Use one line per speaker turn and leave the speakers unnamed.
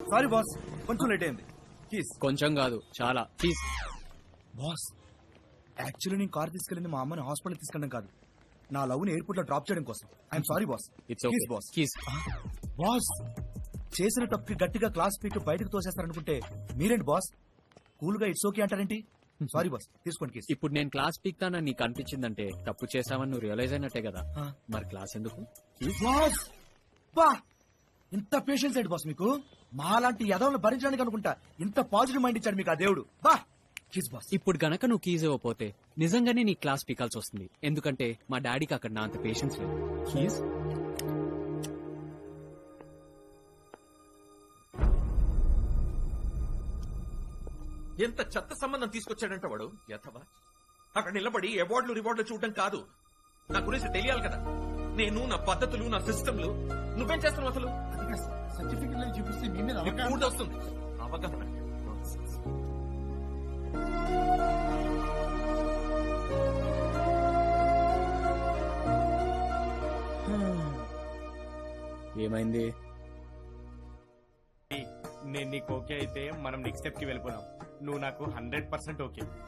Sorry boss, కొంచెం late అయింది. Keys.
కొంచెం కాదు, చాలా. ప్లీజ్.
బాస్, యాక్చువల్లీ నేను కార్ తీసుకెళ్ళింది మా అమ్మని హాస్పిటల్ తీసుకెళ్ళడం కాదు, నా లవ్ ని ఎయిర్పోర్ట్ లో డ్రాప్ చేయడం కోసం. I'm sorry boss.
It's okay
boss.
Keys.
Boss, చేసిన తప్పుకి గట్టిగా క్లాస్ పీకి బయటకు తోసేస్తారనుకుంటే మీరేంటి బాస్ కూల్ గా ఇట్స్ ఓకే అంటారేంటి? సారీ బాస్, తీసుకోండి కేసు.
ఇప్పుడు నేను క్లాస్ పీక్తానని నీకు అనిపించిందంటే తప్పు చేసావని నువ్వు రియలైజ్ అయినట్టే కదా.
ఆ.
మరి క్లాస్ ఎందుకు?
బాస్, బా, ఇంత పేషెన్స్ ఏంటి బాస్ మీకు? మాలాంటి యదవులను భరించడానికి అనుకుంటా ఇంత పాజిటివ్ మైండ్ ఇచ్చాడు మీకు ఆ దేవుడు. బా, కిస్ బాస్.
ఇప్పుడు గనక నువ్వు కీజ్ ఇవ్వకపోతే నిజంగానే నీ క్లాస్ పీకాల్సి వస్తుంది. ఎందుకంటే మా డాడీకి అక్కడ నా అంత పేషెన్స్ లేదు. కీజ్.
ఎంత చెత్త సంబంధం తీసుకొచ్చాడంట వాడు యథవా. అక్కడ నిలబడి అవార్డులు రివార్డులు చూడటం కాదు, నా గురించి తెలియాలి కదా. నేను నా పద్ధతులు, నా సిస్టంలు. నువ్వేం చేస్తున్నావు అసలు?
సర్టిఫికెట్ చూపిస్తే మీ మీద
నీకు పూర్తి వస్తుంది అవగాహన.
ఏమైంది?
నేను నీకు ఓకే అయితే మనం నెక్స్ట్ స్టెప్ కి వెళ్ళిపోదాం. నువ్వు నాకు 100% ఓకే.